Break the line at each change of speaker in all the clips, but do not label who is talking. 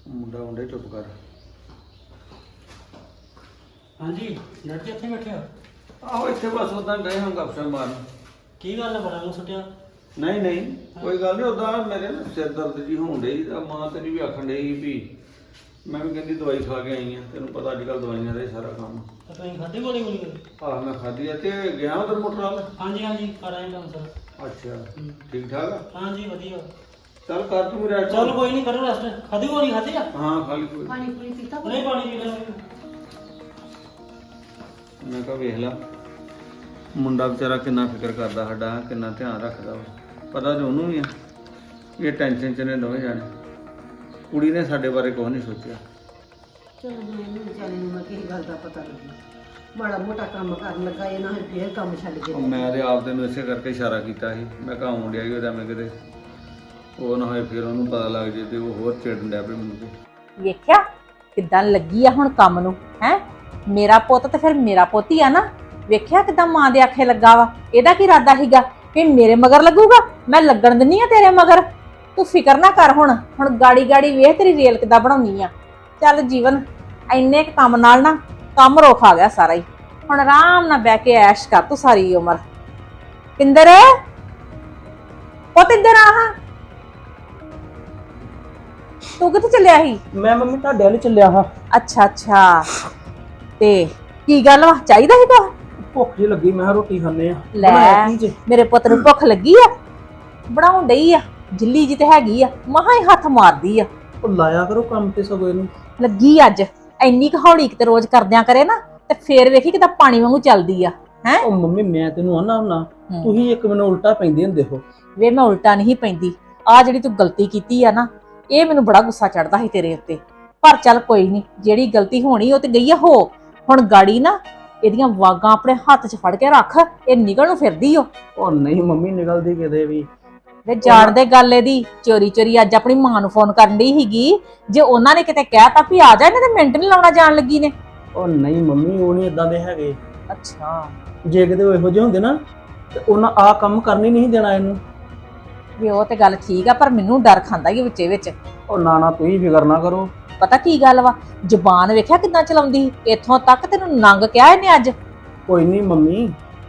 ਮੁੰਡਾ ਮੁੰਡੇ ਚੁੱਪ ਕਰ।
ਹਾਂਜੀ ਡੈਡ ਜੀ ਇੱਥੇ ਬੈਠੇ ਹੋ?
ਆਹੋ ਇੱਥੇ ਬਸ ਉਦਾਂ ਗਏ ਹਾਂ ਗੱਪਸ਼ਪ ਮਾਰਨ।
ਕੀ ਗੱਲ ਹੈ, ਬੜਾ ਮੂੰਹ ਸੁੱਟਿਆ?
ਨਹੀਂ ਨਹੀਂ ਕੋਈ ਗੱਲ ਨਹੀਂ, ਉਦਾਂ ਮੇਰੇ ਨਾ ਸਿਰ ਦਰਦ ਜੀ ਹੋਣ ਡਈ ਤਾਂ ਮਾਂ ਤੇਰੀ ਵੀ ਆਖਣ ਡਈ ਵੀ ਮੈਂ ਵੀ ਕਹਿੰਦੀ ਦਵਾਈ ਖਾ ਕੇ ਆਈ ਆ। ਤੈਨੂੰ ਪਤਾ ਅੱਜ ਕੱਲ੍ਹ ਦਵਾਈਆਂ ਦਾ ਹੀ ਸਾਰਾ ਕੰਮ।
ਤਾਂ ਤੁਸੀਂ ਖਾਧੀ ਗੋਲੀ ਗੋਲੀ?
ਆਹ ਮੈਂ ਖਾਧੀ ਆ ਤੇ ਗਿਆ ਉਧਰ ਮੋਟਰ ਵੱਲ।
ਹਾਂਜੀ ਹਾਂਜੀ ਕਰ ਆਏ ਕੰਮ ਸਰ।
ਅੱਛਾ ਠੀਕ ਠਾਕ ਆ?
ਹਾਂਜੀ ਵਧੀਆ।
ਚੱਲ ਕਰ ਤੂੰ ਰੈਸਟ।
ਚਲ ਕੋਈ ਨਹੀਂ, ਕਰੋ ਰੈਸਟ। ਖਾਧੀ ਗੋਲੀ ਖਾਧੀ ਆ?
ਹਾਂ ਖਾਲੀ ਕੋਈ
ਪਾਣੀ ਪੂਰੀ ਪੀਤਾ?
ਨਹੀਂ ਪਾਣੀ ਪੀ ਲਿਆ।
ਮੈਂ ਕਿਹਾ ਵੇਖ ਲਾ ਮੁੰਡਾ ਵਿਚਾਰਾ ਕਿੰਨਾ ਫਿਕਰ ਕਰਦਾ ਸਾਡਾ, ਕਿੰਨਾ ਧਿਆਨ ਰੱਖਦਾ ਵਾ। ਪਤਾ ਤੇ ਉਹਨੂੰ ਵੀ ਆ ਇਹ ਟੈਨਸ਼ਨ ਚ ਨੇ ਦੋਵੇਂ ਜਾਣੇ। ਕੁੜੀ ਨੇ ਸਾਡੇ ਬਾਰੇ ਕੁਛ ਨਹੀਂ ਸੋਚਿਆ।
ਚਲੋ ਮੈਨੂੰ ਵਿਚਾਰੇ ਨੂੰ ਮੈਂ ਕਿਸੇ ਗੱਲ ਦਾ ਪਤਾ ਲੱਗੀ, ਮਾੜਾ ਮੋਟਾ ਕੰਮ ਕਰਨ ਲੱਗਾ ਇਹ ਨਾ ਫੇਰ ਕੰਮ ਛੱਡ ਕੇ
ਉਹ ਮੈਂ ਤੇ ਆਪ ਤੈਨੂੰ ਇਸੇ ਕਰਕੇ ਇਸ਼ਾਰਾ ਕੀਤਾ ਸੀ। ਮੈਂ ਕਿਹਾ ਆਉਣ ਡਿਆ ਹੀ ਉਹਦਾ ਮੈਂ ਕਿਤੇ ਉਹ ਨਾ ਹੋਏ ਫਿਰ ਉਹਨੂੰ ਪਤਾ ਲੱਗ ਜੇ ਤੇ ਉਹ ਹੋਰ ਚਿੜਨ ਡਿਆ ਪਏ ਮੈਨੂੰ ਤੇ।
ਵੇਖਿਆ ਕਿੱਦਾਂ ਲੱਗੀ ਆ ਹੁਣ ਕੰਮ ਨੂੰ ਹੈ। ਮੇਰਾ ਪੁੱਤ ਤੇ ਫਿਰ ਮੇਰਾ ਪੁੱਤ ਹੀ ਆ ਨਾ। ਵੇਖਿਆ ਕਿੱਦਾਂ ਮਾਂ ਦੇ ਆਖੇ ਲੱਗਾ ਵਾ। ਇਹਦਾ ਕੀ ਇਰਾਦਾ ਸੀਗਾ ਵੀ ਮੇਰੇ ਮਗਰ ਲੱਗੂਗਾ? ਮੈਂ ਲੱਗਣ ਦਿੰਨੀ ਆ ਤੇਰੇ ਮਗਰ। ਤੂੰ ਫਿਕਰ ਨਾ ਕਰ। ਹੁਣ ਗਾੜੀ ਗਾੜੀ ਵੇਖ ਤੇਰੀ ਰੇਲ ਕਿੱਦਾਂ ਬਣਾਉਣੀ ਆ। ਚੱਲ ਜੀਵਨ ਇੰਨੇ ਕੁ ਕੰਮ ਨਾਲ ਨਾ ਕੰਮ ਰੋਕ ਆ ਗਿਆ ਸਾਰਾ ਹੀ। ਹੁਣ ਆਰਾਮ ਨਾਲ ਬਹਿ ਕੇ ਐਸ਼ ਕਰ ਤੂੰ ਸਾਰੀ ਉਮਰ। ਪਿੰਦਰ ਪੁੱਤ ਇੱਧਰ ਆ। ਹਾਂ ਤੂੰ ਕਿੱਥੇ ਚੱਲਿਆ ਸੀ?
ਮੈਂ ਮੰਮੀ ਤੁਹਾਡੇ ਵੱਲ ਚੱਲਿਆ ਹਾਂ।
ਅੱਛਾ ਅੱਛਾ, ਤੇ ਕੀ ਗੱਲ ਵਾ? ਚਾਹੀਦਾ ਸੀ ਕੁਛ?
ਭੁੱਖ ਜੀ ਲੱਗੀ, ਮੈਂ ਕਿਹਾ ਰੋਟੀ ਖਾਣੇ ਆ।
ਲੈ ਮੇਰੇ ਪੁੱਤ ਨੂੰ ਭੁੱਖ ਲੱਗੀ ਆ? ਬਣਾਉਣ ਡਈ ਆ ਜਿੱਲੀ ਜੀ ਤੇ ਹੈਗੀ ਆ, ਮਹਾ ਹੀ ਹੱਥ ਮਾਰਦੀ ਆ।
ਉਹ ਲਾਇਆ ਕਰੋ ਕੰਮ ਤੇ ਸਗੋਂ ਇਹਨੂੰ।
ਲੱਗੀ ਅੱਜ ਇੰਨੀ ਕੁ ਹੌਲੀ ਕਿਤੇ ਰੋਜ਼ ਕਰਦਿਆਂ ਕਰੇ ਨਾ ਤੇ ਫੇਰ ਵੇਖੀ ਕਿਦਾਂ ਪਾਣੀ ਵਾਂਗੂ ਚੱਲਦੀ ਆ। ਹੈ
ਉਹ ਮੰਮੀ ਮੈਂ ਤੈਨੂੰ ਆਨਾ ਹੁੰਨਾ, ਤੁਸੀਂ ਇੱਕ ਮੈਨੂੰ ਉਲਟਾ ਪੈਂਦੇ ਹੁੰਦੇ ਹੋ।
ਵੇ ਮੈਂ ਉਲਟਾ ਨਹੀਂ ਪੈਂਦੀ। ਆ ਜਿਹੜੀ ਤੂੰ ਗਲਤੀ ਕੀਤੀ ਆ ਨਾ, ਇਹ ਮੈਨੂੰ ਬੜਾ ਗੁੱਸਾ ਚੜਦਾ ਸੀ ਤੇਰੇ ਉੱਤੇ। ਪਰ ਚੱਲ ਕੋਈ ਨਹੀਂ, ਜਿਹੜੀ ਗਲਤੀ ਹੋਣੀ ਉਹ ਤੇ ਗਈ ਆ ਹੋ। ਹੁਣ ਗਾੜੀ ਨਾ ਇਹਦੀਆਂ ਵਾਗਾਂ ਆਪਣੇ ਹੱਥ 'ਚ ਫੜ ਕੇ ਰੱਖ। ਇਹ ਨਿਕਲ ਨੂੰ ਫਿਰਦੀ ਓ।
ਉਹ ਨਹੀਂ ਮੰਮੀ ਨਿਕਲਦੀ ਕਿਤੇ ਵੀ।
ਵੇ ਜਾਣਦੇ ਗੱਲ ਇਹਦੀ ਚੋਰੀ ਚੋਰੀ ਅੱਜ ਆਪਣੀ ਮਾਂ ਨੂੰ ਫੋਨ ਕਰਨ ਡਈ ਸੀਗੀ। ਜੇ ਉਹਨਾਂ ਨੇ ਕਿਤੇ ਕਹਿਤਾ ਵੀ ਆ ਜਾ, ਇਹਨੇ ਤੇ ਮਿੰਟ ਨਹੀਂ ਲਾਉਣਾ ਜਾਣ ਲੱਗੀ ਨੇ।
ਉਹ ਨਹੀਂ ਮੰਮੀ ਉਹ ਨਹੀਂ ਇਦਾਂ ਦੇ ਹੈਗੇ।
ਅੱਛਾ
ਜੇ ਕਿਤੇ ਉਹ ਇਹੋ ਜਿਹੇ ਹੁੰਦੇ ਨਾ ਤੇ ਉਹਨਾਂ ਆ ਕੰਮ ਕਰਨੀ ਨਹੀਂ ਦੇਣਾ ਇਹਨੂੰ।
ਵੀ ਉਹ ਤੇ ਗੱਲ ਠੀਕ ਆ, ਪਰ ਮੈਨੂੰ ਡਰ ਖਾਂਦਾ ਹੀ ਵਿੱਚੇ ਵਿੱਚ।
ਉਹ ਨਾ ਨਾ ਤੁਸੀਂ ਫਿਕਰ ਨਾ ਕਰੋ।
ਪਤਾ ਕੀ ਗੱਲ ਵਾ, ਜ਼ੁਬਾਨ ਵੇਖਿਆ ਕਿੱਦਾਂ ਚਲਾਉਂਦੀ ਸੀ। ਇੱਥੋਂ ਤੱਕ ਤੈਨੂੰ ਨੰਗ ਕਿਹਾ ਇਹਨੇ ਅੱਜ।
ਕੋਈ ਨਹੀਂ ਮੰਮੀ,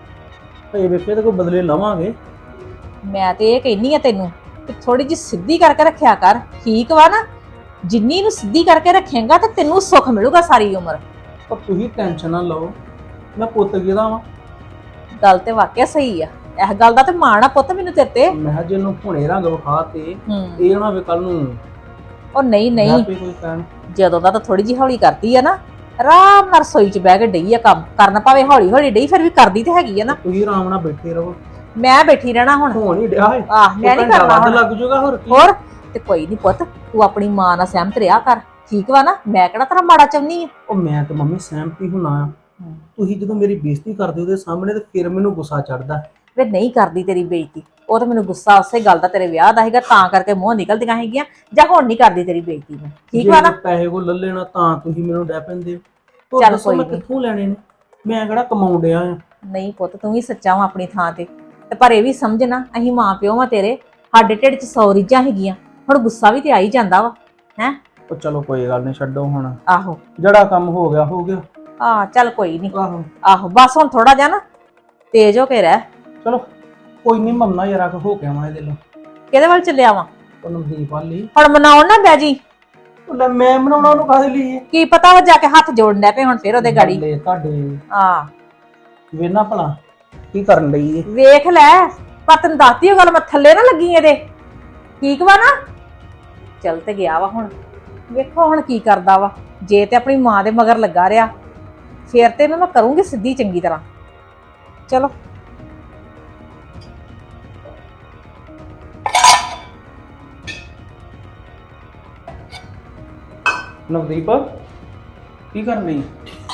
ਇਹ ਵੇਖੇ ਤੇ ਕੋਈ ਬਦਲੇ ਲਵਾਂਗੇ।
ਮੈਂ ਤੇ ਇਹ ਕਹਿੰਨੀ ਆ ਤੈਨੂੰ ਕਿ ਥੋੜੀ ਜਿਹੀ ਸਿੱਧੀ ਕਰਕੇ ਰੱਖਿਆ ਕਰ, ਠੀਕ ਵਾ ਨਾ? ਜਿੰਨੀ ਇਹਨੂੰ ਸਿੱਧੀ ਕਰਕੇ ਰੱਖੇਂਗਾ ਤੇ ਤੈਨੂੰ ਸੁੱਖ ਮਿਲੂਗਾ ਸਾਰੀ ਉਮਰ।
ਪਰ ਤੁਸੀਂ ਟੈਨਸ਼ਨ ਨਾ ਲਓ, ਮੈਂ ਪੁੱਤ ਕਿਹਦਾ ਵਾਂ।
ਗੱਲ ਤੇ ਵਾਕਿਆ ਸਹੀ ਆ। ਇਸ ਗੱਲ ਦਾ ਤੇ ਮਾਣ ਆ ਪੁੱਤ ਮੈਨੂੰ ਤੇਰੇ ਤੇ।
ਮੈਂ ਕਿਹਾ ਜੇ ਇਹਨੂੰ ਹੁਣੇ ਰੰਗ ਵਿਖਾ ਤੇ ਇਹ ਨਾ ਹੋਵੇ ਕੱਲ ਨੂੰ
ਉਹ ਨਹੀਂ ਨਹੀਂ,
ਕੋਈ ਕਹਿਣ।
ਜਦੋਂ ਦਾ ਤਾਂ ਥੋੜੀ ਜਿਹੀ ਹੌਲੀ ਕਰਦੀ ਆ ਨਾ, ਆਰਾਮ ਨਾਲ ਰਸੋਈ 'ਚ ਬਹਿ ਕੇ ਡਈ ਆ ਕੰਮ ਕਰਨ। ਭਾਵੇਂ ਹੌਲੀ ਹੌਲੀ ਡਈ, ਫਿਰ ਵੀ ਕਰਦੀ ਤੇ ਹੈਗੀ ਆ ਨਾ।
ਤੁਸੀਂ ਆਰਾਮ ਨਾਲ ਬੈਠੇ ਰਹੋ।
ਮੈਂ ਬੈਠੀ ਰਹਿਣਾ ਹੁਣ?
ਹੋਣ ਹੀ ਡਿਆ ਹੈ।
ਆਹ ਮੈਂ ਨਹੀਂ ਕਰਨਾ
ਵੱਧ
ਹੁਣ।
ਲੱਗ ਜਾਊਗਾ ਹੋਰ ਕੀ।
ਹੋਰ ਤੇ ਕੋਈ ਨਹੀਂ ਪੁੱਤ, ਤੂੰ ਆਪਣੀ ਮਾਂ ਨਾਲ ਸਹਿਮਤ ਰਿਹਾ ਕਰ, ਠੀਕ ਵਾ ਨਾ? ਮੈਂ ਕਿਹੜਾ ਤੇਰਾ ਮਾੜਾ ਚਾਹੁੰਦੀ ਆ।
ਉਹ ਮੈਂ ਤੇ ਮੰਮੀ ਸਹਿਮਤੀ ਹੁਣਾ ਆ। ਤੁਸੀਂ ਜਦੋਂ ਮੇਰੀ ਬੇਇੱਜ਼ਤੀ ਕਰਦੇ ਉਹਦੇ ਸਾਹਮਣੇ ਤੇ ਫਿਰ ਮੈਨੂੰ ਗੁੱਸਾ ਚੜਦਾ।
ਵੇ ਨਹੀਂ ਕਰਦੀ ਤੇਰੀ ਬੇਇੱਜ਼ਤੀ। ਉਹ ਤਾਂ ਮੈਨੂੰ ਗੁੱਸਾ ਉਸੇ ਗੱਲ ਦਾ ਤੇਰੇ ਵਿਆਹ ਦਾ ਹੈਗਾ, ਤਾਂ ਕਰਕੇ ਮੂੰਹ ਨਿਕਲਦੀਆਂ ਹੈਗੀਆਂ। ਜਾਂ ਹੁਣ ਨਹੀਂ ਕਰਦੀ ਤੇਰੀ ਬੇਇੱਜ਼ਤੀ ਮੈਂ, ਠੀਕ ਵਾ ਨਾ?
ਜੇ ਪੈਸੇ ਕੋ ਲੈ ਲੈਣਾ ਤਾਂ ਤੁਸੀਂ ਮੈਨੂੰ ਡੈ ਪੈਂਦੇ ਹੋ।
ਚੱਲ
ਦੱਸੋ
ਕੋਈ
ਮੈਂ
ਨੀ।
ਕਿੱਥੋਂ ਲੈਣੇ ਨੇ? ਮੈਂ ਕਿਹੜਾ ਕਮਾਉਣ ਡਿਆ ਆ।
ਨਹੀਂ ਪੁੱਤ, ਤੂੰ ਵੀ ਸੱਚਾ ਵਾ ਆਪਣੀ ਥਾਂ ਤੇ ਪਰ ਇਹ ਵੀ ਸਮਝ ਨਾ, ਅਸੀਂ ਮਾਂ ਪਿਓ ਵਾਂ ਤੇਰੇ। ਸਾਡੇ ਢਿੱਡ 'ਚ 100 ਰੀਝਾਂ ਹੈਗੀਆਂ। ਹੁਣ ਗੁੱਸਾ ਵੀ ਤੇ ਆ ਹੀ ਜਾਂਦਾ ਵਾ। ਹੈ
ਉਹ ਚਲੋ ਕੋਈ ਗੱਲ ਨਹੀਂ, ਛੱਡੋ ਹੁਣ।
ਆਹੋ
ਜਿਹੜਾ ਕੰਮ ਹੋ ਗਿਆ ਹੋ ਗਿਆ।
ਚੱਲ ਕੋਈ ਨਹੀਂ।
ਆਹੋ
ਆਹੋ ਬਸ ਹੁਣ ਥੋੜਾ ਜਿਹਾ ਨਾ ਤੇਜ਼ ਹੋ ਕੇ ਰਹਿ।
ਚਲੋ ਕੋਈ ਨਹੀਂ, ਮੰਮਾ ਯਾਰ ਆਖ ਹੋ ਕੇ ਆਵਾਂ ਇਹਦੇ ਲਈ।
ਕਿਹਦੇ ਵੱਲ ਚੱਲਿਆ ਵਾ?
ਉਹ ਨਵਦੀਪ ਵਾਲੀ।
ਹੁਣ ਮਨਾਉਣ ਨਾ ਬਹਿ ਜੀ।
ਉਹ ਲੈ ਮੈਂ ਬਣਾਉਣਾ ਉਹਨੂੰ ਕਾਹਦੇ ਲਈ?
ਕੀ ਪਤਾ ਉਹ ਜਾ ਕੇ ਹੱਥ ਜੋੜਨ ਡੈ ਪਏ ਹੁਣ ਫਿਰ ਉਹਦੇ ਗਾੜੀ।
ਲੈ ਤੁਹਾਡੇ
ਵੇਖਣਾ
ਭਲਾ ਕੀ ਕਰਨ ਲਈ ਏ।
ਵੇਖ ਲੈ, ਪਰ ਤੈਨੂੰ ਦੱਸਦੀ ਉਹ ਗੱਲ, ਮੈਂ ਥੱਲੇ ਨਾ ਲੱਗੀ ਇਹਦੇ, ਠੀਕ ਵਾ ਨਾ? ਚੱਲ ਤੇ ਗਿਆ ਵਾ ਹੁਣ। ਵੇਖੋ ਹੁਣ ਕੀ ਕਰਦਾ ਵਾ। ਜੇ ਤੇ ਆਪਣੀ ਮਾਂ ਦੇ ਮਗਰ ਲੱਗਾ ਰਿਹਾ ਫੇਰ ਤੇ ਇਹਨੂੰ ਮੈਂ ਕਰੂੰਗੀ ਸਿੱਧੀ ਚੰਗੀ ਤਰ੍ਹਾਂ। ਚਲੋ
ਨਵਦੀਪ ਕੀ ਕਰਨ ਲਈ?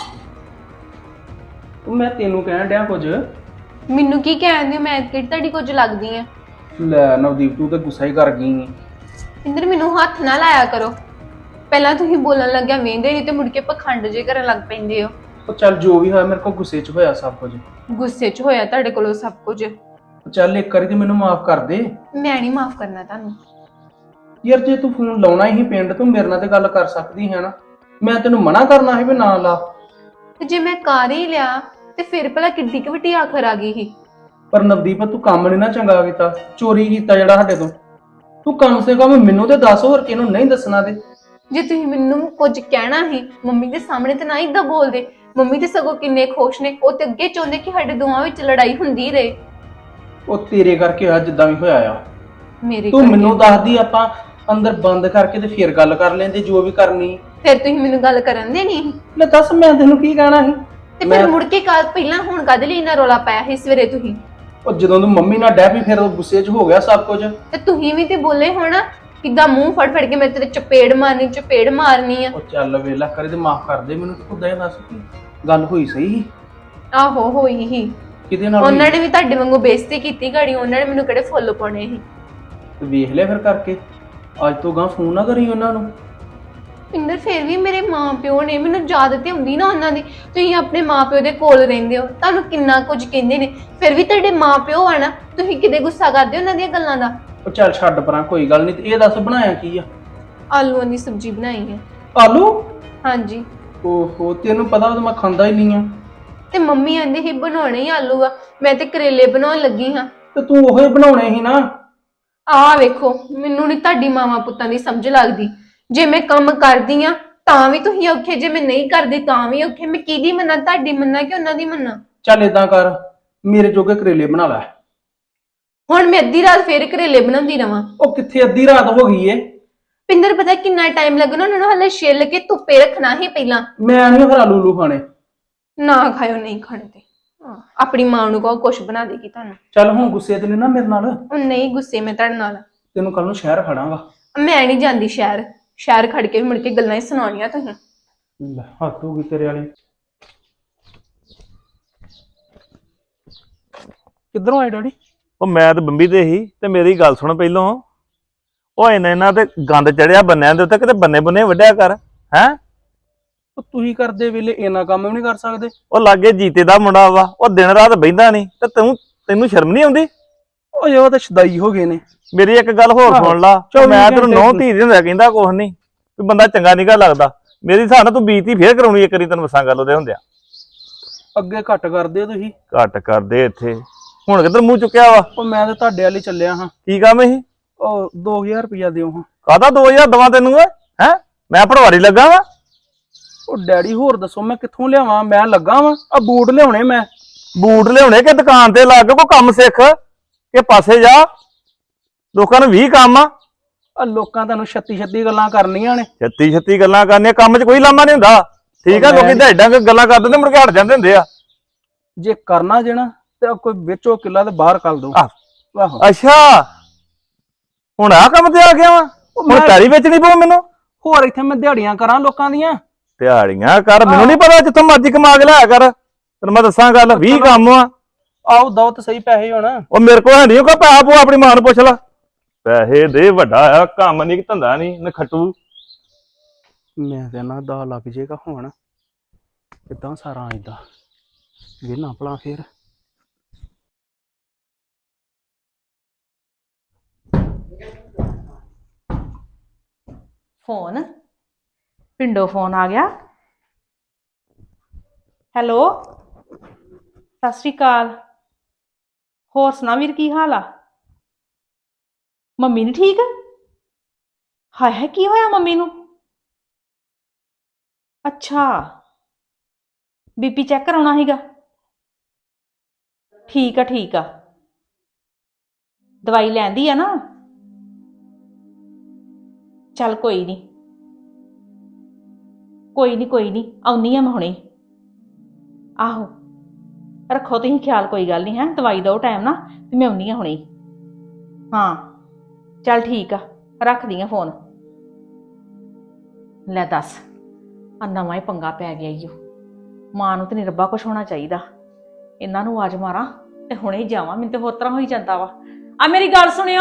ਮੈਂ ਤੈਨੂੰ ਕਹਿਣ ਡਿਆ ਕੁਝ।
ਮੈਨੂੰ ਕੀ ਕਹਿੰਦੇ ਹੋ? ਮੈਂ ਕਿਹੜੀ ਤੁਹਾਡੀ ਕੁਝ ਲੱਗਦੀ ਆ?
ਲੈ ਨਵਦੀਪ ਤੂੰ ਤਾਂ ਗੁੱਸਾ ਹੀ ਕਰ ਗਈ।
ਇੰਦਰ ਮੈਨੂੰ ਹੱਥ ਨਾ ਲਾਇਆ ਕਰੋ। ਪਹਿਲਾਂ ਤੁਸੀਂ ਬੋਲਣ ਲੱਗਿਆ ਵੇਂਦੇ ਨਹੀਂ ਤੇ ਮੁੜ ਕੇ ਪਖੰਡ ਜੇ ਕਰਨ ਲੱਗ ਪੈਂਦੇ ਹੋ।
ਉਹ ਚੱਲ ਜੋ ਵੀ ਹੋਇਆ ਮੇਰੇ ਕੋਲ ਗੁੱਸੇ 'ਚ ਹੋਇਆ ਸਭ ਕੁਝ।
ਗੁੱਸੇ 'ਚ ਹੋਇਆ ਤੁਹਾਡੇ ਕੋਲੋਂ ਸਭ ਕੁਝ।
ਚੱਲ ਇੱਕ ਵਾਰੀ ਤੇ ਮੈਨੂੰ ਮਾਫ ਕਰ ਦੇ।
ਮੈਂ ਨਹੀਂ ਮਾਫ ਕਰਨਾ ਤੁਹਾਨੂੰ।
ਯਾਰ ਜੇ ਤੂੰ ਫੋਨ ਲਾਉਣਾ ਹੀ ਪਿੰਡ ਤੂੰ ਮੇਰੇ ਨਾਲ ਤੇ ਗੱਲ ਕਰ ਸਕਦੀ ਹੈ ਨਾ। ਮੈਂ ਤੈਨੂੰ ਮਨਾ ਕਰਨਾ ਸੀ ਵੀ ਨਾ ਲਾ।
ਤੇ ਜੇ ਮੈਂ ਕਰ ਹੀ ਲਿਆ ਤੇ ਫਿਰ ਭਲਾ ਕਿੱਡੀ ਕੁ ਵੱਡੀ ਆਖਰ ਆ ਗਈ ਸੀ।
ਪਰ ਨਵਦੀਪ ਤੂੰ ਕੰਮ ਨਹੀਂ ਨਾ ਚੰਗਾ ਕੀਤਾ, ਚੋਰੀ ਕੀਤਾ ਜਿਹੜਾ ਸਾਡੇ ਤੋਂ। ਤੂੰ ਕਮ ਸੇ ਕਮ ਮੈਨੂੰ ਤੇ ਦੱਸ, ਹੋਰ ਕਿਹਨੂੰ ਨਹੀਂ ਦੱਸਣਾ ਤੇ।
ਜੇ ਤੁਸੀਂ ਮੈਨੂੰ ਕੁਝ ਕਹਿਣਾ ਸੀ ਮੰਮੀ ਦੇ ਸਾਹਮਣੇ ਤੇ ਨਾ ਇਦਾਂ ਬੋਲਦੇ। ਮੰਮੀ ਤੇ ਸਗੋਂ ਕਿੰਨੇ ਖੁਸ਼ ਨੇ, ਉਹ ਤੇ ਅੱਗੇ ਚਾਹੁੰਦੇ ਕਿ ਸਾਡੇ ਦੋਵਾਂ ਵਿੱਚ ਲੜਾਈ ਹੁੰਦੀ ਰਹੇ।
ਉਹ ਤੇਰੇ ਕਰਕੇ ਆ ਜਿੱਦਾਂ ਵੀ ਹੋਇਆ ਆ।
ਮੇਰੇ
ਤੂੰ
ਕਰਕੇ।
ਮੈਨੂੰ ਦੱਸਦੀ, ਆਪਾਂ ਅੰਦਰ ਬੰਦ ਕਰਕੇ ਤੇ ਫਿਰ ਗੱਲ ਕਰ ਲੈਂਦੇ ਜੋ ਵੀ ਕਰਨੀ।
ਫਿਰ ਤੁਸੀਂ ਮੈਨੂੰ ਗੱਲ ਕਰਨ ਦੇ ਨਹੀਂ
ਲੈ ਦੱਸ ਮੈਂ ਤੈਨੂੰ ਕੀ ਕਹਿਣਾ ਸੀ।
ਤੇ ਫਿਰ ਮੁੜ ਕੇ ਕੱਲ ਪਹਿਲਾਂ ਹੁਣ ਕਦ ਲਈ ਇੰਨਾ ਰੌਲਾ ਪਾਇਆ ਸੀ ਸਵੇਰੇ ਤੁਸੀਂ?
ਉਹ ਜਦੋਂ ਤੂੰ ਮੰਮੀ ਨਾਲ ਡੈ ਪਈ ਫਿਰ ਉਹ ਗੁੱਸੇ 'ਚ ਹੋ ਗਿਆ ਸਭ ਕੁਝ।
ਤੇ ਤੁਸੀਂ ਵੀ ਤੇ ਬੋਲੇ ਹੋਣਾ ਕਿੱਦਾਂ ਮੂੰਹ ਫੜ ਫੜ ਕੇ ਮੈਂ ਤੇਰੇ ਚਪੇੜ ਮਾਰਨੀ ਆ।
ਉਹ ਚੱਲ ਵੇਲਾ ਕਰੇ ਤੇ ਮਾਫ ਕਰ ਦੇ ਮੈਨੂੰ। ਤੂੰ ਖੁਦ ਇਹ ਦੱਸ ਕੀ ਗੱਲ ਹੋਈ ਸਹੀ ਸੀ?
ਆਹੋ ਹੋਈ ਹੀ।
ਕਿਹਦੇ ਨਾਲ
ਉਹਨਾਂ ਨੇ ਵੀ ਤੁਹਾਡੇ ਵਾਂਗੂ ਬੇਇੱਜ਼ਤੀ ਕੀਤੀ ਗਾੜੀ, ਉਹਨਾਂ ਨੇ ਮੈਨੂੰ ਕਿਹੜੇ ਫੁੱਲ ਪਾਉਣੇ ਸੀ।
ਤੇ ਵੇਖ ਲਿਆ ਫਿਰ ਕਰਕੇ। ਅੱਜ ਤੋਂ ਗਾਂ ਫੋਨ ਨਾ ਕਰੀ ਉਹਨਾਂ ਨੂੰ।
ਪਿੰਦਰ ਫਿਰ ਵੀ ਮੇਰੇ ਮਾਪਿਓ ਨੇ, ਮੈਨੂੰ ਯਾਦ ਤੇ ਹੁੰਦੀ ਨਾ ਉਹਨਾਂ ਦੀ। ਤੁਸੀਂ ਆਪਣੇ ਮਾਪਿਓ ਦੇ ਕੋਲ ਰਹਿੰਦੇ ਹੋ, ਤੁਹਾਨੂੰ ਕਿੰਨਾ ਕੁਝ ਕਹਿੰਦੇ ਨੇ, ਫਿਰ ਵੀ ਤੁਹਾਡੇ ਮਾਪਿਓ ਆ ਨਾ, ਤੁਸੀਂ ਕਿਤੇ ਗੁੱਸਾ ਕਰਦੇ ਹੋ ਉਹਨਾਂ ਦੀਆਂ ਗੱਲਾਂ ਦਾ?
ਉਹ ਚੱਲ ਛੱਡ ਪਰਾਂ, ਕੋਈ ਗੱਲ ਨਹੀਂ। ਤੇ ਇਹ ਦੱਸ ਬਣਾਇਆ ਕੀ ਆ?
ਆਲੂਆਂ ਦੀ ਸਬਜ਼ੀ ਬਣਾਈ ਹੈ।
ਆਲੂ?
ਹਾਂਜੀ।
ਓਹੋ, ਤੈਨੂੰ ਪਤਾ ਉਹ ਮੈਂ ਖਾਂਦਾ ਹੀ ਨਹੀਂ ਆ।
ਤੇ ਮੰਮੀ ਕਹਿੰਦੇ ਸੀ ਬਣਾਉਣੇ ਹੀ ਆਲੂ ਆ, ਮੈਂ ਤੇ ਕਰੇਲੇ ਬਣਾਉਣ ਲੱਗੀ ਹਾਂ।
ਤੇ ਤੂੰ ਉਹੋ ਹੀ ਬਣਾਉਣੇ ਸੀ ਨਾ।
ਆਹ ਵੇਖੋ, ਮੈਨੂੰ ਨਹੀਂ ਤੁਹਾਡੀ ਮਾਵਾਂ ਪੁੱਤਾਂ ਦੀ ਸਮਝ ਲੱਗਦੀ। ਜੇ ਮੈਂ ਕੰਮ ਕਰਦੀ ਆ ਤਾਂ ਵੀ ਤੁਸੀਂ ਔਖੇ, ਜੇ ਮੈਂ ਨਹੀਂ ਕਰਦੀ ਤਾਂ ਵੀ ਔਖੇ। ਮੈਂ ਕਿਹਦੀ ਮੰਨਾਂ, ਤੁਹਾਡੀ ਮੰਨਾਂ ਕਿ ਉਹਨਾਂ ਦੀ ਮੰਨਾਂ?
ਚੱਲ ਏਦਾਂ ਕਰ, ਮੇਰੇ ਜੋਗੇ ਕਰੇਲੇ ਬਣਾ ਲੈ।
ਹੁਣ ਮੈਂ ਅੱਧੀ ਰਾਤ ਫੇਰ ਕਰੇਲੇ ਬਣਾਉਂਦੀ ਰਵਾਂ?
ਉਹ ਕਿੱਥੇ ਅੱਧੀ ਰਾਤ ਹੋ ਗਈ ਏ।
ਪਿੰਦਰ ਪਤਾ ਕਿੰਨਾ ਟਾਈਮ ਲੱਗਣਾ ਉਹਨਾਂ ਨੂੰ, ਹਲੇ ਛਿੱਲ ਕੇ ਧੁੱਪੇ ਰੱਖਣਾ ਹੀ ਪਹਿਲਾਂ।
ਮੈਂ ਨਹੀਂ ਫਿਰ ਆਲੂ ਖਾਣੇ।
ਨਾ ਖਾਇਓ, ਨਹੀਂ ਖਾਣੇ ਤੇ ਆਪਣੀ ਮਾਂ ਨੂੰ ਕਹੋ ਕੁਛ ਬਣਾ ਦੇਗੀ ਤੁਹਾਨੂੰ।
ਚੱਲ ਹੁਣ ਗੁੱਸੇ ਤੇ ਨਹੀਂ ਨਾ ਮੇਰੇ ਨਾਲ।
ਉਹ ਨਹੀਂ ਗੁੱਸੇ ਮੈਂ ਤੁਹਾਡੇ ਨਾਲ।
ਤੈਨੂੰ ਕੱਲ ਨੂੰ ਸ਼ਹਿਰ ਖੜਾਂਗਾ।
ਮੈਂ ਨਹੀਂ ਜਾਂਦੀ ਸ਼ਹਿਰ, ਸ਼ਹਿਰ ਖੜ ਕੇ ਵੀ ਮੁੜ ਕੇ ਗੱਲਾਂ ਹੀ ਸੁਣਾਉਣੀਆਂ ਤੁਸੀਂ।
ਲੈ ਹੱਥ ਹੋ ਗਈ ਤੇਰੇ ਵਾਲੀ। ਕਿੱਧਰੋਂ ਆਏ ਡੈਡੀ?
ਉਹ ਮੈਂ ਤੇ ਬੰਬੀ ਤੇ ਹੀ। ਤੇ ਮੇਰੀ ਗੱਲ ਸੁਣ ਪਹਿਲੋਂ, ਉਹ ਇਹਨਾਂ ਤੇ ਗੰਦ ਚੜਿਆ ਬੰਨਿਆਂ ਦੇ ਉੱਤੇ, ਕਿਤੇ ਬੰਨੇ ਬੰਨੇ ਵੱਢਿਆ ਕਰ ਹੈ।
ਉਹ ਤੁਸੀਂ ਕਰਦੇ ਵੇਲੇ ਇੰਨਾ ਕੰਮ ਵੀ ਨਹੀਂ ਕਰ ਸਕਦੇ?
ਉਹ ਲਾਗੇ ਜੀਤੇ ਦਾ ਮੁੰਡਾ ਵਾ, ਉਹ ਦਿਨ ਰਾਤ ਬਹਿੰਦਾ ਨਹੀਂ, ਤੇ ਤੈਨੂੰ ਸ਼ਰਮ ਨਹੀਂ ਆਉਂਦੀ?
ਉਹ ਜੋ ਤਾਂ ਸ਼ਦਾਈ ਹੋ ਗਏ ਨੇ।
ਮੇਰੀ ਇੱਕ ਗੱਲ ਹੋਰ ਸੁਣ ਲਾ, ਮੈਂ ਤੈਨੂੰ ਨੌ ਧੀ ਦੇ ਹੁੰਦਾ ਕਹਿੰਦਾ ਕੁਛ ਨਹੀਂ ਵੀ ਬੰਦਾ ਚੰਗਾ ਨਿਗਾ ਲੱਗਦਾ। ਮੇਰੀ ਹਿਸਾਬ ਨਾਲ ਤੂੰ ਬੀਤੀ ਫੇਰ ਕਰਾਉਣੀ ਇੱਕ ਵਾਰੀ, ਤੈਨੂੰ ਮਸਾਂ ਗੱਲ ਉਹਦੇ ਹੁੰਦਿਆ।
ਅੱਗੇ ਘੱਟ ਕਰਦੇ ਤੁਸੀਂ।
ਘੱਟ ਕਰਦੇ ਇੱਥੇ, ਹੁਣ ਕਿੱਧਰ ਮੂੰਹ ਚੁੱਕਿਆ ਵਾ?
ਉਹ ਮੈਂ ਤੇ ਤੁਹਾਡੇ ਵਾਲੀ ਚੱਲਿਆ ਹਾਂ।
ਕੀ ਕੰਮ ਸੀ?
ਉਹ 2000 ਰੁਪਇਆ ਦਿਓ ਹਾਂ।
ਕਾਹਦਾ 2000 ਦਵਾਂ ਤੈਨੂੰ? ਹੈ ਮੈਂ ਪਟਵਾਰੀ ਲੱਗਾ ਵਾ?
ਉਹ ਡੈਡੀ ਹੋਰ ਦੱਸੋ ਮੈਂ ਕਿੱਥੋਂ ਲਿਆਵਾਂ? ਮੈਂ ਲੱਗਾ ਵਾਂ, ਆ ਬੂਟ ਲਿਆਉਣੇ ਮੈਂ।
ਬੂਟ ਲਿਆਉਣੇ ਕਿ ਦੁਕਾਨ ਤੇ ਲੱਗ ਕੋਈ ਕੰਮ ਸਿੱਖ ਕਿ ਪਾਸੇ ਜਾ। ਲੋਕਾਂ ਨੂੰ 20 ਕੰਮ ਆ।
ਆ ਲੋਕਾਂ ਤੁਹਾਨੂੰ 36 ਗੱਲਾਂ ਕਰਨੀਆਂ ਨੇ।
36 ਗੱਲਾਂ ਕਰਨੀਆਂ, ਕੰਮ 'ਚ ਕੋਈ ਲਾਮਾ ਨਹੀਂ ਹੁੰਦਾ। ਠੀਕ ਆ, ਲੋਕੀ ਤਾਂ ਏਦਾਂ ਗੱਲਾਂ ਕਰ ਦਿੰਦੇ ਮੁੜ ਕੇ ਹਟ ਜਾਂਦੇ ਹੁੰਦੇ ਆ।
ਜੇ ਕਰਨਾ ਜੇ ਨਾ ਤੇ ਕੋਈ ਵਿੱਚੋਂ ਕਿੱਲਾ ਤੇ ਬਾਹਰ ਕਰ ਦੋ। ਆਹੋ।
ਅੱਛਾ ਹੁਣ ਆਹ ਕੰਮ ਤੇ ਆ ਗਿਆ ਵਾ? ਹੁਣ ਪੈਰੀ ਵੇਚਣੀ ਪਊ ਮੈਨੂੰ?
ਹੋਰ ਇੱਥੇ ਮੈਂ ਦਿਹਾੜੀਆਂ ਕਰਾਂ ਲੋਕਾਂ ਦੀਆਂ?
ਦਿਹਾੜੀਆਂ ਕਰ, ਮੈਨੂੰ ਨਹੀਂ ਪਤਾ, ਜਿੱਥੋਂ ਮਰਜ਼ੀ ਕਮਾ ਕੇ ਲਿਆ ਕਰ। ਤੈਨੂੰ ਮੈਂ ਦੱਸਾਂ ਗੱਲ, 20 ਕੰਮ ਆ।
ਆਓ ਦੋ ਤਾਂ ਸਹੀ ਪੈਸੇ ਹੁਣ।
ਉਹ ਮੇਰੇ ਕੋਲ ਹੈ ਨਹੀਂ, ਉਹ ਪੈਸਾ ਪੂ ਆਪਣੀ ਮਾਂ ਨੂੰ ਪੁੱਛ ਲੈ। ਪੈਸੇ ਦੇ, ਵੱਡਾ ਆ ਕੰਮ ਨਹੀਂ, ਧੰਦਾ ਨਹੀਂ, ਨਖੱਟੂ।
ਮੈਂ ਤੇ ਨਾ ਦਾ ਲੱਗ ਜੇਗਾ ਹੁਣ। ਕਿੱਦਾਂ ਸਾਰਾ ਏਦਾਂ ਵੇਨਾ ਭਲਾ ਫੇਰ।
ਫੋਨ ਪਿੰਡੋਂ ਫੋਨ ਆ ਗਿਆ। ਹੈਲੋ, ਸਤਿ ਸ਼੍ਰੀ ਅਕਾਲ। ਹੋਰ ਸੁਣਾ ਵੀਰ, ਕੀ ਹਾਲ ਆ? ਮੰਮੀ ਨੀ ਠੀਕ? ਹਾਏ ਹਾਏ, ਕੀ ਹੋਇਆ ਮੰਮੀ ਨੂੰ? ਅੱਛਾ, ਬੀਪੀ ਚੈੱਕ ਕਰਾਉਣਾ ਸੀਗਾ। ਠੀਕ ਆ ਠੀਕ ਆ, ਦਵਾਈ ਲੈਂਦੀ ਆ ਨਾ? ਚੱਲ ਕੋਈ ਨਹੀਂ ਕੋਈ ਨਹੀਂ, ਆਉਣੀ ਆ ਮੈਂ ਹੁਣੇ। ਆਹੋ ਰੱਖੋ ਤੁਸੀਂ ਖਿਆਲ, ਕੋਈ ਗੱਲ ਨਹੀਂ ਹੈ। ਦਵਾਈ ਦਿਓ ਟਾਈਮ ਨਾ, ਤੇ ਮੈਂ ਆਉਣੀ ਆ ਹੁਣੇ। ਹਾਂ ਚੱਲ ਠੀਕ ਆ, ਰੱਖਦੀ ਆ ਫੋਨ। ਲੈ ਦੱਸ, ਆ ਨਵਾਂ ਹੀ ਪੰਗਾ ਪੈ ਗਿਆ ਈ ਓ। ਮਾਂ ਨੂੰ ਤੇ ਨਹੀਂ ਰੱਬਾ ਕੁਛ ਹੋਣਾ ਚਾਹੀਦਾ। ਇਹਨਾਂ ਨੂੰ ਆਵਾਜ਼ ਮਾਰਾਂ ਤੇ ਹੁਣੇ ਹੀ ਜਾਵਾਂ, ਮੈਨੂੰ ਤੇ ਹੋਰ ਤਰ੍ਹਾਂ ਹੋਈ ਜਾਂਦਾ ਵਾ। ਆ ਮੇਰੀ ਗੱਲ ਸੁਣਿਓ।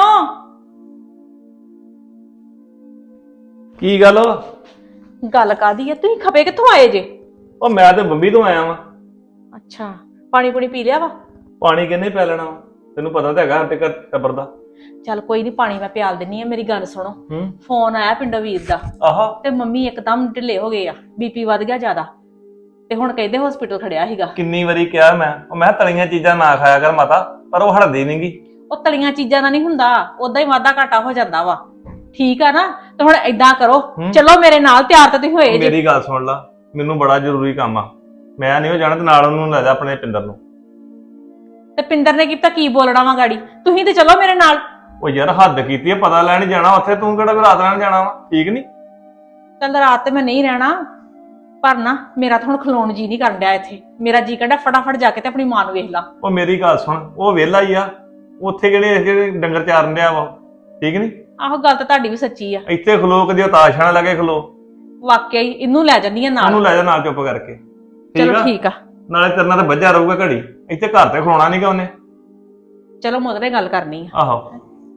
ਕੀ ਗੱਲ?
ਗੱਲ ਕਾਦੀ ਆ? ਤੁਸੀਂ ਖਪੇ ਕਿੱਥੋਂ ਆਏ ਜੇ?
ਉਹ ਮੈਂ ਤੇ ਬੰਬੀ ਤੋਂ ਆਇਆ ਵਾਂ।
ਅੱਛਾ, ਪਾਣੀ ਪੂਣੀ ਪੀ ਲਿਆ ਵਾ?
ਪਾਣੀ ਕਿੰਨੇ ਪੈ ਲੈਣਾ ਵਾ? ਤੈਨੂੰ ਪਤਾ ਤਾਂ ਹੈਗਾ ਸਾਡੇ ਘਰ ਟੱਬਰ ਦਾ।
ਚੱਲ ਕੋਈ ਨਹੀਂ, ਪਾਣੀ ਮੈਂ ਪਿਆਲ ਦਿੰਨੀ ਆ। ਮੇਰੀ ਗੱਲ ਸੁਣੋ,
ਹੂੰ
ਫੋਨ ਆਇਆ ਪਿੰਡੋਂ ਵੀਰ ਦਾ,
ਆਹਾ
ਤੇ ਮੰਮੀ ਇੱਕਦਮ ਢਿੱਲੇ ਹੋ ਗਏ ਆ, ਬੀਪੀ ਵੱਧ ਗਿਆ ਜ਼ਿਆਦਾ, ਤੇ ਹੁਣ ਕਹਿੰਦੇ ਹਸਪੀਟਲ ਖੜਿਆ ਸੀਗਾ।
ਕਿੰਨੀ ਵਾਰੀ ਕਿਹਾ ਮੈਂ ਤਲੀਆਂ ਚੀਜ਼ਾਂ ਨਾ ਖਾਇਆ ਕਰ ਮਾਤਾ, ਪਰ ਉਹ ਹਟਦੀ ਨਹੀਂਗੀ।
ਉਹ ਤਲੀਆਂ ਚੀਜ਼ਾਂ ਨਾਲ ਨਹੀਂ ਹੁੰਦਾ, ਉਦਾਂ ਹੀ ਵਾਧਾ ਘਾਟਾ ਹੋ ਜਾਂਦਾ ਵਾ, ਠੀਕ ਆ ਨਾ। ਤੇ ਹੁਣ ਏਦਾਂ ਕਰੋ, ਚਲੋ ਮੇਰੇ ਨਾਲ, ਤਿਆਰ ਤਾਂ ਤੁਸੀਂ ਹੋਏ ਜੀ।
ਮੇਰੀ ਗੱਲ ਸੁਣ ਲਾ, ਮੈਨੂੰ ਬੜਾ ਜ਼ਰੂਰੀ ਕੰਮ ਆ, ਮੈਂ ਨਹੀਂ ਉਹ ਜਾਣਾ, ਤੇ ਨਾਲ ਉਹਨੂੰ ਲੈ ਜਾ ਆਪਣੇ ਪਿੰਦਰ ਨੂੰ।
ਤੇ ਪਿੰਦਰ ਨੇ ਕੀਤਾ ਕੀ ਬੋਲਣਾ ਵਾ ਗਾੜੀ, ਤੁਸੀਂ ਤੇ ਚਲੋ ਮੇਰੇ ਨਾਲ।
ਉਹ ਯਾਰ ਹੱਦ ਕੀਤੀ ਆ, ਪਤਾ ਲੈਣ ਜਾਣਾ ਉੱਥੇ, ਤੂੰ ਕਿਹੜਾ ਰਾਤ ਰਹਿਣ ਜਾਣਾ ਵਾ, ਠੀਕ ਨਹੀਂ?
ਚੱਲ ਰਾਤ ਤੇ ਮੈਂ ਨਹੀਂ ਰਹਿਣਾ, ਪਰ ਨਾ ਮੇਰਾ ਤਾਂ ਹੁਣ ਖਲੋਣ ਜੀ ਨਹੀਂ ਕਰਨ ਡਿਆ ਇੱਥੇ। ਮੇਰਾ ਜੀ ਕਹਿੰਦਾ ਫਟਾਫਟ ਜਾ ਕੇ ਤੇ ਆਪਣੀ ਮਾਂ ਨੂੰ ਵੇਖ ਲਾ।
ਉਹ ਮੇਰੀ ਗੱਲ ਸੁਣ, ਉਹ ਵਿਹਲਾ ਹੀ ਆ, ਉੱਥੇ ਜਿਹੜੇ ਡੰਗਰ ਚਾਰਨ ਡਿਆ ਵਾ, ਠੀਕ ਨਹੀਂ?
ਆਹੋ ਗੱਲ ਤਾਂ ਤੁਹਾਡੀ ਵੀ ਸੱਚੀ ਆ,
ਇੱਥੇ ਖਲੋ ਕਦੇ ਉਤਾਸ਼ਾਂ ਲੱਗੇ ਖਲੋ।
ਵਾਕਿਆ ਹੀ ਇਹਨੂੰ ਲੈ ਜੰਨੀ ਆ ਨਾਲ।
ਉਹਨੂੰ ਲੈ ਜਾ ਨਾਲ ਚੁੱਪ ਕਰਕੇ,
ਚਲੋ ਠੀਕ ਆ,
ਨਾਲੇ ਤੇਰੇ ਨਾਲ ਤਾਂ ਵੱਜਾ ਰਹੂਗਾ ਘੜੀ, ਇੱਥੇ ਘਰ ਤੇ ਖਲੋਣਾ ਨਹੀਂਗਾ ਉਹਨੇ।
ਚਲੋ ਮੁੱਦਰੇ ਗੱਲ ਕਰਨੀ ਆ।
ਆਹੋ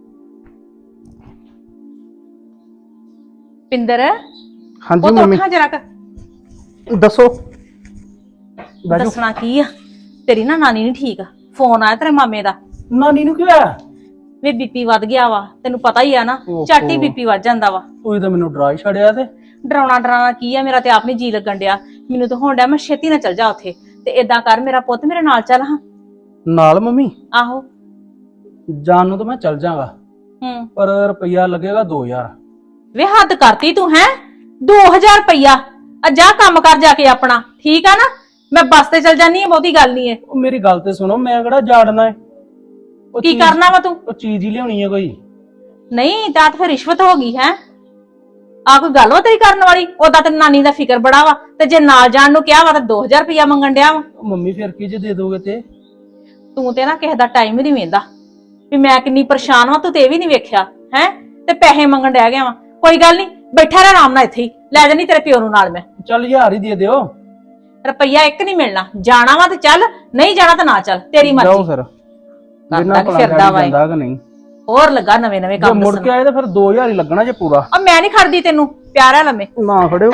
ਪਿੰਦਰ,
ਹਾਂਜੀ
ਉਹ
ਮੰਮੀ
ਤੋਠਾ ਜਰਾ ਕ
ਦੱਸੋ। ਬਾਜੂ
ਦੱਸਣਾ ਕੀ ਆ, ਤੇਰੀ ਨਾ ਨਾਨੀ ਨਹੀਂ ਠੀਕ, ਫੋਨ ਆਇਆ ਤੇਰੇ ਮਾਮੇ ਦਾ,
ਨਾਨੀ ਨੂੰ ਕੀ ਹੋਇਆ?
ਵੀ ਬੀਪੀ ਵੱਧ ਗਿਆ ਵਾ, ਤੈਨੂੰ ਪਤਾ ਹੀ ਆ ਨਾ,
ਓਹੋ।
ਝੱਟ ਹੀ ਬੀਪੀ ਵੱਧ ਜਾਂਦਾ ਵਾ।
ਤੂੰ ਤਾਂ ਮੈਨੂੰ ਡਰਾ ਹੀ ਛੜਿਆ ਤੇ।
ਡਰਾਉਣਾ ਕੀ ਆ, ਮੇਰਾ ਤੇ ਆਪ ਨਹੀਂ ਜੀ ਲੱਗਣ ਡਿਆ, ਮੈਨੂੰ ਤਾਂ ਹੋਣ ਡਿਆ ਮੈਂ ਛੇਤੀ ਨਾ ਚੱਲ ਜਾ ਉੱਥੇ। ਤੇ ਏਦਾਂ ਕਰ, ਮੇਰਾ ਪੁੱਤ ਮੇਰੇ ਨਾਲ ਚੱਲ ਹਾਂ।
ਨਾਲ ਮੰਮੀ
ਆਹੋ।
ਜਾਣ ਨੂੰ ਤਾਂ ਮੈਂ ਚੱਲ ਜਾਗਾ, ਪਰ ਰੁਪਈਆ ਲੱਗੇਗਾ 2000।
ਵੇ ਹੱਦ ਕਰਤੀ ਤੂੰ, ਹੈ 2000 ਰੁਪਈਆ? ਜਾ ਕੰਮ ਕਰ ਜਾ ਕੇ ਆਪਣਾ, ਠੀਕ ਆ ਨਾ। ਮੈਂ ਬੱਸ ਤੇ ਚੱਲ ਜਾਨੀ ਆ, ਬਹੁਤੀ ਗੱਲ ਨਹੀਂ ਹੈ।
ਉਹ ਮੇਰੀ ਗੱਲ ਤੇ ਸੁਣੋ, ਮੈਂ ਕਿਹੜਾ ਜਾੜਨਾ ਹੈ? ਉਹ
ਕੀ
ਚੀਜ਼-
ਕਰਨਾ ਵਾ ਤੂੰ?
ਉਹ ਚੀਜ਼ ਹੀ ਲਿਆਉਣੀ ਹੈ ਕੋਈ।
ਨਹੀਂ ਤਾਂ ਫਿਰ ਰਿਸ਼ਵਤ ਹੋ ਗਈ ਹੈ। ਆ ਕੋਈ ਗੱਲ ਵਾ ਤੇਰੀ ਕਰਨ ਵਾਲੀ? ਉਹਦਾ ਤੇ ਨਾਨੀ ਦਾ ਫਿਕਰ ਬੜਾ ਵਾ, ਤੇ ਜੇ ਨਾਲ ਜਾਣ ਨੂੰ ਕਿਹਾ ਵਾ ਤਾਂ 2000 ਰੁਪਈਆ ਮੰਗਣ ਡਿਆ ਵਾ।
ਉਹ ਮੰਮੀ ਫਿਰ ਕੀ ਜੇ ਦੇ ਦੋਗੇ ਤੇ?
ਤੂੰ ਤੇ ਨਾ ਕਿਸੇ ਦਾ ਟਾਈਮ ਹੀ ਨਹੀਂ ਵੇਂਦਾ ਵੀ ਮੈਂ ਕਿੰਨੀ ਪਰੇਸ਼ਾਨ ਵਾਂ, ਤੂੰ ਤੇ ਇਹ ਵੀ ਨਹੀਂ ਵੇਖਿਆ ਹੈ, ਤੇ ਪੈਸੇ ਮੰਗਣ ਡਿਆ ਗਿਆ ਵਾ। ਕੋਈ ਗੱਲ ਨਹੀਂ, ਬੈਠਾ ਰਹਿ ਆਰਾਮ ਨਾਲ ਇੱਥੇ ਹੀ, ਲੈ ਜਾਨੀ ਤੇਰੇ ਪਿਓ ਨੂੰ ਨਾਲ ਮੈਂ।
ਚੱਲ 1000 ਹੀ ਦੇ ਦਿਓ।
ਰੁਪਈਆ ਇੱਕ ਨਹੀਂ ਮਿਲਣਾ, ਜਾਣਾ ਵਾ ਤੇ ਚੱਲ, ਨਹੀਂ ਜਾਣਾ ਤਾਂ ਨਾ ਚੱਲ, ਤੇਰੀ
ਜਾਓ
ਮਰਜ਼ੀ।
ਫਿਰ,
ਕਰਦਾ
ਬਿਨਾਂ
ਕਿ
ਭਲਾ
ਫਿਰਦਾ ਵਾ ਇਹ।
ਜਾਂਦਾ ਕਿ ਨਹੀਂ?
ਹੋਰ ਲੱਗਾ ਨਵੇਂ
ਜੇ
ਕੰਮ
ਮੁੜ ਕੇ
ਦੱਸਣ।
ਆਏ ਤਾਂ ਫਿਰ 2000 ਹੀ ਲੱਗਣਾ ਜੇ ਪੂਰਾ।
ਆ ਮੈਂ ਨਹੀਂ ਖੜਦੀ ਤੈਨੂੰ, ਪਿਆਰਾ ਲੰਮੇ।
ਨਾ ਖੜਿਓ।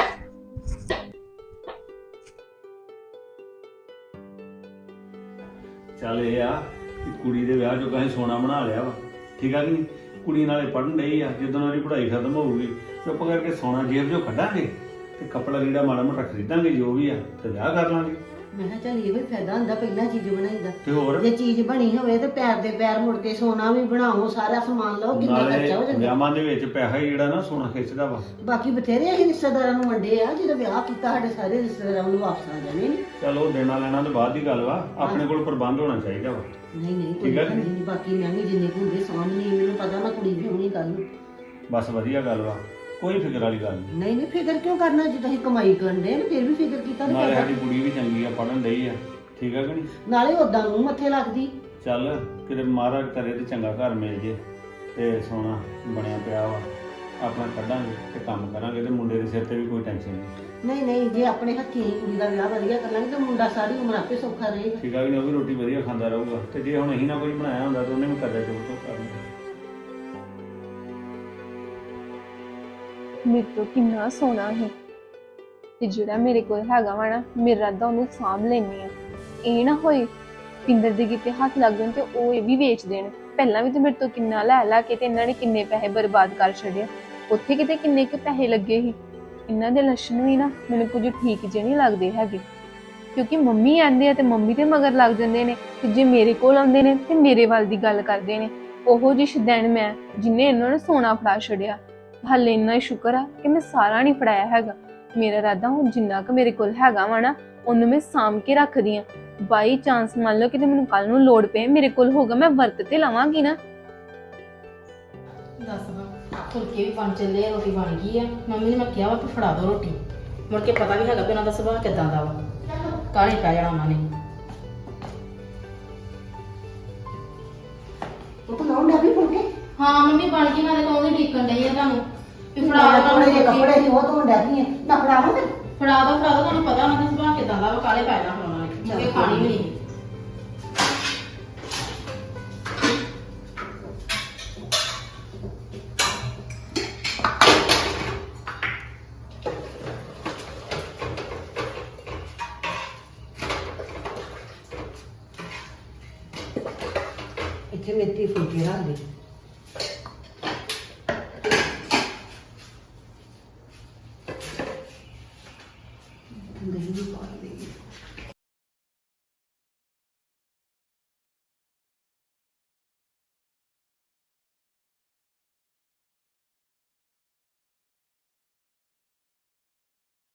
ਚੱਲ ਇਹ ਆ ਕਿ ਕੁੜੀ ਦੇ ਵਿਆਹ ਚੋਂ ਕਹੀਂ ਸੋਨਾ ਬਣਾ ਲਿਆ ਵਾ, ਠੀਕ ਆ ਕਿ ਨਹੀਂ? ਕੁੜੀ ਨਾਲੇ ਪੜ੍ਹਨ ਡਈ ਆ, ਜਦੋਂ ਉਹਦੀ ਪੜ੍ਹਾਈ ਖਤਮ ਹੋਊਗੀ ਚੁੱਪ ਕਰਕੇ ਸੋਨਾ ਜੇਬ ਚੋਂ ਕੱਢਾਂਗੇ ਤੇ ਕੱਪੜਾ ਲੀੜਾ ਮਾੜਾ ਮੋਟਾ ਖਰੀਦਾਂਗੇ ਜੋ ਵੀ ਆ, ਤੇ ਵਿਆਹ ਕਰ ਲਾਂਗੇ।
ਮੈਂ ਕਿਹਾ ਚੱਲ ਇਹ ਵੀ ਫਾਇਦਾ ਹੁੰਦਾ ਪਹਿਲਾਂ ਚੀਜ਼ ਬਣਾਈਦਾ।
ਤੇ ਹੋਰ
ਜੇ ਚੀਜ਼ ਬਣੀ ਹੋਵੇ ਤੇ ਪੈਰ ਦੇ ਪੈਰ ਮੁੜ ਕੇ ਸੋਨਾ ਵੀ ਬਣਾਓ, ਸਾਰਾ ਸਮਾਨ ਲਓ, ਕਿੰਨਾ ਖਰਚਾ ਹੋ
ਨਾਲੇ
ਜਾਂਦਾ।
ਵਿਆਹਾਂ ਦੇ ਵਿੱਚ ਪੈਸਾ ਹੀ ਜਿਹੜਾ ਨਾ ਸੋਨਾ ਖਿੱਚਦਾ ਵਾ।
ਬਾਕੀ ਬਥੇਰੇ ਅਸੀਂ ਰਿਸ਼ਤੇਦਾਰਾਂ ਨੂੰ ਵੰਡੇ ਆ, ਜਦੋਂ ਵਿਆਹ ਕੀਤਾ ਸਾਡੇ ਸਾਰੇ ਰਿਸ਼ਤੇਦਾਰਾਂ ਨੂੰ ਵਾਪਸ ਆ ਜਾਣੇ ਨੇ।
ਚਲੋ ਦੇਣਾ ਲੈਣਾ ਤੋਂ ਬਾਅਦ ਦੀ ਗੱਲ ਵਾ, ਆਪਣੇ ਕੋਲ ਪ੍ਰਬੰਧ ਹੋਣਾ ਚਾਹੀਦਾ ਵਾ।
ਨਹੀਂ ਕੋਈ
ਠੀਕ ਆ
ਗੱਲ
ਕਿ
ਨਹੀਂ, ਬਾਕੀ ਮੈਂ ਵੀ ਜਿੰਨੇ ਕੁ ਹੁੰਦੇ ਸਾਹਮਣੇ, ਮੈਨੂੰ ਪਤਾ ਨਾ ਕੁੜੀ ਵੀ ਹੋਣੀ ਗੱਲ ਨੂੰ।
ਬਸ ਵਧੀਆ ਗੱਲ ਵਾ, ਕੋਈ ਫਿਕਰ ਵਾਲੀ ਗੱਲ ਨਹੀਂ।
ਨਹੀਂ ਫਿਕਰ ਕਿਉਂ ਕਰਨਾ, ਜੇ ਤੁਸੀਂ ਕਮਾਈ ਕਰਨ ਦੇ ਫਿਰ ਵੀ ਫਿਕਰ ਕੀਤਾ
ਨਾਲੇ
ਨਹੀਂ।
ਸਾਡੀ ਕੁੜੀ ਵੀ ਚੰਗੀ ਆ, ਪੜ੍ਹਨ ਡਈ ਆ, ਠੀਕ ਆ ਕਿ ਨਹੀਂ?
ਨਾਲੇ ਉਦਾਂ ਨੂੰ ਮੱਥੇ ਲੱਗਦੀ।
ਚੱਲ ਕਿਤੇ ਮਹਾਰਾਜ ਕਰੇ ਤੇ ਚੰਗਾ ਘਰ ਮਿਲ ਜੇ, ਤੇ ਸੋਨਾ ਬਣਿਆ ਪਿਆ ਵਾ, ਆਪਣਾ ਕੱਢਾਂਗੇ ਤੇ ਕੰਮ ਕਰਾਂਗੇ, ਤੇ ਮੁੰਡੇ ਦੇ ਸਿਰ ਤੇ ਵੀ ਕੋਈ ਟੈਨਸ਼ਨ ਨਹੀਂ।
ਜੇ ਆਪਣੇ ਹੱਥੀਂ ਹੀ ਕੁੜੀ ਦਾ ਵਿਆਹ ਵਧੀਆ ਕਰ ਲਾਂਗੇ ਤਾਂ ਮੁੰਡਾ ਸਾਰੀ ਉਮਰ ਆਪੇ ਸੌਖਾ ਰਹੇਗਾ।
ਠੀਕ ਆ ਕਿ ਨਹੀਂ? ਉਹ ਵੀ ਰੋਟੀ ਵਧੀਆ ਖਾਂਦਾ ਰਹੂਗਾ, ਤੇ ਜੇ ਹੁਣ ਅਸੀਂ ਨਾ ਕੁਝ ਬਣਾਇਆ ਹੁੰਦਾ ਤਾਂ ਉਹਨੇ ਵੀ ਕਰਦਾ ਚੁੱਪ ਕਰਨਾ।
ਮੇਰੇ ਤੋਂ ਕਿੰਨਾ ਸੋਹਣਾ ਹੈ, ਤੇ ਜਿਹੜਾ ਮੇਰੇ ਕੋਲ ਹੈਗਾ ਵਾ ਨਾ, ਮੇਰਾ ਰੱਦਾ ਉਹਨੂੰ ਸਾਂਭ ਲੈਣੀ ਆ। ਇਹ ਨਾ ਹੋਏ ਪਿੰਦਰ ਦੇ ਕਿਤੇ ਹੱਥ ਲੱਗ ਜਾਣ ਤੇ ਉਹ ਇਹ ਵੀ ਵੇਚ ਦੇਣ। ਪਹਿਲਾਂ ਵੀ ਤੇ ਮੇਰੇ ਤੋਂ ਕਿੰਨਾ ਲੈ ਕੇ ਤੇ ਇਹਨਾਂ ਨੇ ਕਿੰਨੇ ਪੈਸੇ ਬਰਬਾਦ ਕਰ ਛੱਡਿਆ, ਉੱਥੇ ਕਿਤੇ ਕਿੰਨੇ ਕੁ ਪੈਸੇ ਲੱਗੇ ਸੀ। ਇਹਨਾਂ ਦੇ ਲੱਛਣ ਵੀ ਨਾ ਮੈਨੂੰ ਕੁਝ ਠੀਕ ਜਿਹੇ ਨਹੀਂ ਲੱਗਦੇ ਹੈਗੇ, ਕਿਉਂਕਿ ਮੰਮੀ ਆਂਦੇ ਆ ਤੇ ਮੰਮੀ ਦੇ ਮਗਰ ਲੱਗ ਜਾਂਦੇ ਨੇ, ਤੇ ਜੇ ਮੇਰੇ ਕੋਲ ਆਉਂਦੇ ਨੇ ਤੇ ਮੇਰੇ ਵੱਲ ਦੀ ਗੱਲ ਕਰਦੇ ਨੇ। ਉਹੋ ਜਿਹੀ ਸ਼ੁਦੈਣ ਮੈਂ, ਜਿਨੇ ਇਹਨਾਂ ਨੂੰ ਸੋਨਾ ਫੜਾ ਛੱਡਿਆ। ਹਾਲੇ ਇੰਨਾ ਹੀ ਸ਼ੁਕਰ ਆ ਕਿ ਮੈਂ ਸਾਰਾ ਨਹੀਂ ਫੜਾਇਆ ਹੈਗਾ। ਮੇਰਾ ਇਰਾਦਾ ਹੁਣ ਜਿੰਨਾ ਕੁ ਮੇਰੇ ਕੋਲ ਹੈਗਾ ਵਾ ਨਾ, ਉਹਨੂੰ ਮੈਂ ਸਾਂਭ ਕੇ ਰੱਖਦੀ ਆ। ਬਾਈ ਚਾਂਸ ਮੰਨ ਲਓ ਕਿਤੇ ਮੈਨੂੰ ਕੱਲ ਨੂੰ ਲੋੜ ਪਏ, ਮੇਰੇ ਕੋਲ ਹੋਗਾ, ਮੈਂ ਵਰਤ ਤੇ ਲਵਾਂਗੀ ਨਾ।
ਦੱਸ ਹਾਂ, ਫੁਲਕੇ ਵੀ ਬਣ ਚੱਲੇ ਆ, ਰੋਟੀ ਬਣ ਗਈ ਆ। ਮੰਮੀ ਨੇ ਮੈਂ ਕਿਹਾ ਵਾ ਕਿ ਫੜਾ ਦੋ ਰੋਟੀ, ਮੁੜ ਕੇ ਪਤਾ ਵੀ ਹੈਗਾ ਵੀ ਉਹਨਾਂ ਦਾ ਸੁਭਾਅ ਕਿੱਦਾਂ ਦਾ ਵਾ, ਕਾਹਲੀ ਪੈ ਜਾਣਾ ਉਹਨਾਂ ਨੇ।
ਉਹ ਤਾਂ ਲਾਉਣ ਵੀ ਫੁਲਕੇ।
ਹਾਂ ਮੰਮੀ ਬਣ ਗਈ, ਮੈਂ ਤਾਂ ਕਹੂੰਗੀ ਢੀਕਣ ਡਈ ਆ ਤੁਹਾਨੂੰ ਵੀ ਫੜਾ ਦੋ
ਥੋੜੇ ਜਿਹੇ
ਤੁਹਾਨੂੰ
ਕੱਪੜੇ ਸੀ ਉਹ ਧੋਣ ਡਿਆ ਪਈ ਨਾ, ਫੜਾਵਾਂ ਫਿਰ?
ਫੜਾ ਦੋ ਤੁਹਾਨੂੰ ਪਤਾ ਉਹਨਾਂ ਦਾ ਸੁਭਾਅ ਕਿੱਦਾਂ ਦਾ ਵਾ, ਕਾਹਲੇ ਪੈ ਜਾਣਾ ਹੁਣ ਉਹਨਾਂ ਨੇ, ਮੁੜ ਕੇ ਖਾਣੀ ਵੀ ਨਹੀਂ।
ਇੱਥੇ ਮੇਥੀ ਫੁਲਕੇ ਰੱਖ ਦੇ।